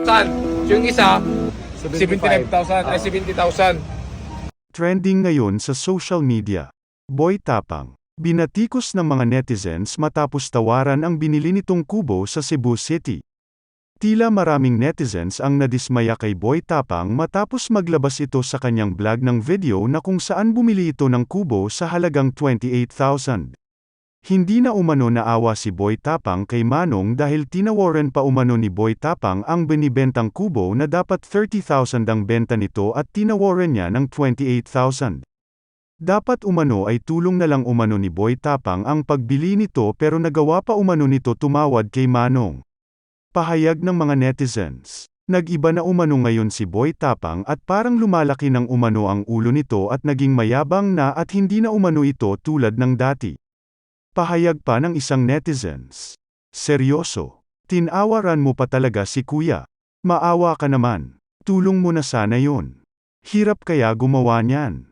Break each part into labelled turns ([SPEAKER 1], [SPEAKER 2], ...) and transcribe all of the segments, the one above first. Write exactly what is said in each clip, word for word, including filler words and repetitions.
[SPEAKER 1] thousand. Yung isa, seventy-nine thousand, ay seventy thousand.
[SPEAKER 2] Trending ngayon sa social media. Boy Tapang. Binatikos ng mga netizens matapos tawaran ang binili nitong kubo sa Cebu City. Tila maraming netizens ang nadismaya kay Boy Tapang matapos maglabas ito sa kanyang vlog ng video na kung saan bumili ito ng kubo sa halagang twenty-eight thousand. Hindi na umano naawa si Boy Tapang kay Manong dahil tinawaran pa umano ni Boy Tapang ang binibentang kubo na dapat thirty thousand ang benta nito at tinawaran niya ng twenty-eight thousand. Dapat umano ay tulong na lang umano ni Boy Tapang ang pagbili nito pero nagawa pa umano nito tumawad kay Manong. Pahayag ng mga netizens. Nag-iba na umano ngayon si Boy Tapang at parang lumalaki ng umano ang ulo nito at naging mayabang na at hindi na umano ito tulad ng dati. Pahayag pa ng isang netizens. Seryoso. Tinawaran mo pa talaga si kuya. Maawa ka naman. Tulong mo na sana yun. Hirap kaya gumawa niyan.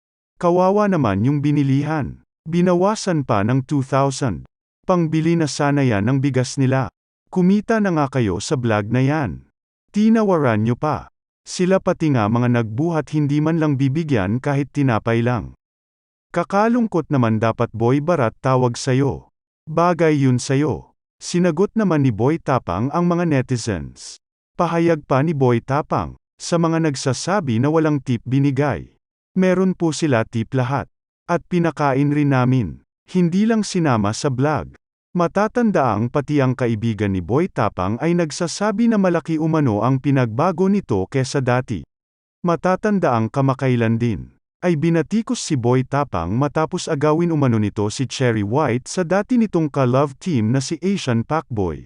[SPEAKER 2] Kawawa naman yung binilihan. Binawasan pa ng two thousand. Pangbili na sana yan ng bigas nila. Kumita na nga kayo sa vlog na yan. Tinawaran nyo pa. Sila pati nga mga nagbuhat hindi man lang bibigyan kahit tinapay lang. Kakalungkot naman dapat Boy Barat tawag sayo. Bagay yun sayo. Sinagot naman ni Boy Tapang ang mga netizens. Pahayag pa ni Boy Tapang, sa mga nagsasabi na walang tip binigay. Meron po sila tip lahat. At pinakain rin namin. Hindi lang sinama sa vlog. Matatandaang pati ang kaibigan ni Boy Tapang ay nagsasabi na malaki umano ang pinagbago nito kesa dati. Matatandaang kamakailan din ay binatikos si Boy Tapang matapos agawin umano nito si Cherry White sa dati nitong ka-love team na si Asian Pacboy.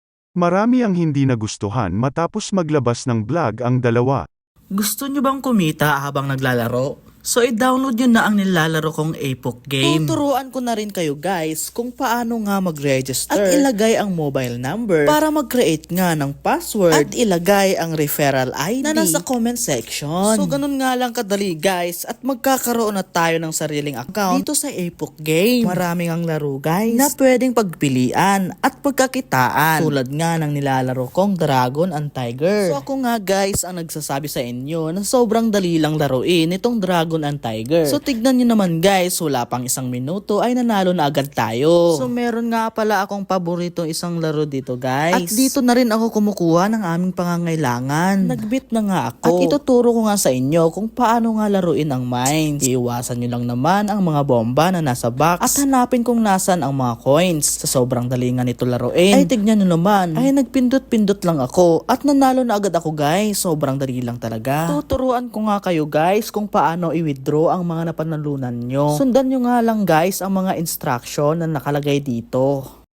[SPEAKER 2] Marami ang hindi nagustuhan matapos maglabas ng vlog ang dalawa.
[SPEAKER 3] Gusto nyo bang kumita habang naglalaro? So i-download nyo na ang nilalaro kong Apoc game. Tuturuan ko na rin kayo guys kung paano nga mag-register at ilagay ang mobile number para mag-create nga ng password at ilagay ang referral I D na nasa comment section. So ganun nga lang kadali guys at magkakaroon na tayo ng sariling account dito sa Apoc game. Maraming ang laro guys na pwedeng pagpilian at pagkakitaan tulad nga ng nilalaro kong Dragon and Tiger. So ako nga guys ang nagsasabi sa inyo na sobrang dali lang laruin itong Dragon and Tiger. So tignan nyo naman guys, wala pang isang minuto ay nanalo na agad tayo. So meron nga pala akong paborito isang laro dito guys. At dito na rin ako kumukuha ng aming pangangailangan. Nagbit na nga ako. At ituturo ko nga sa inyo kung paano nga laruin ang mines. Iiwasan nyo lang naman ang mga bomba na nasa box at hanapin kung nasan ang mga coins. Sa sobrang dali nga nito laruin ay tignan nyo naman ay nagpindot-pindot lang ako at nanalo na agad ako guys. Sobrang dali lang talaga. Tuturuan ko nga kayo guys kung paano i-withdraw ang mga napanalunan nyo. Sundan nyo nga lang guys ang mga instruction na nakalagay dito.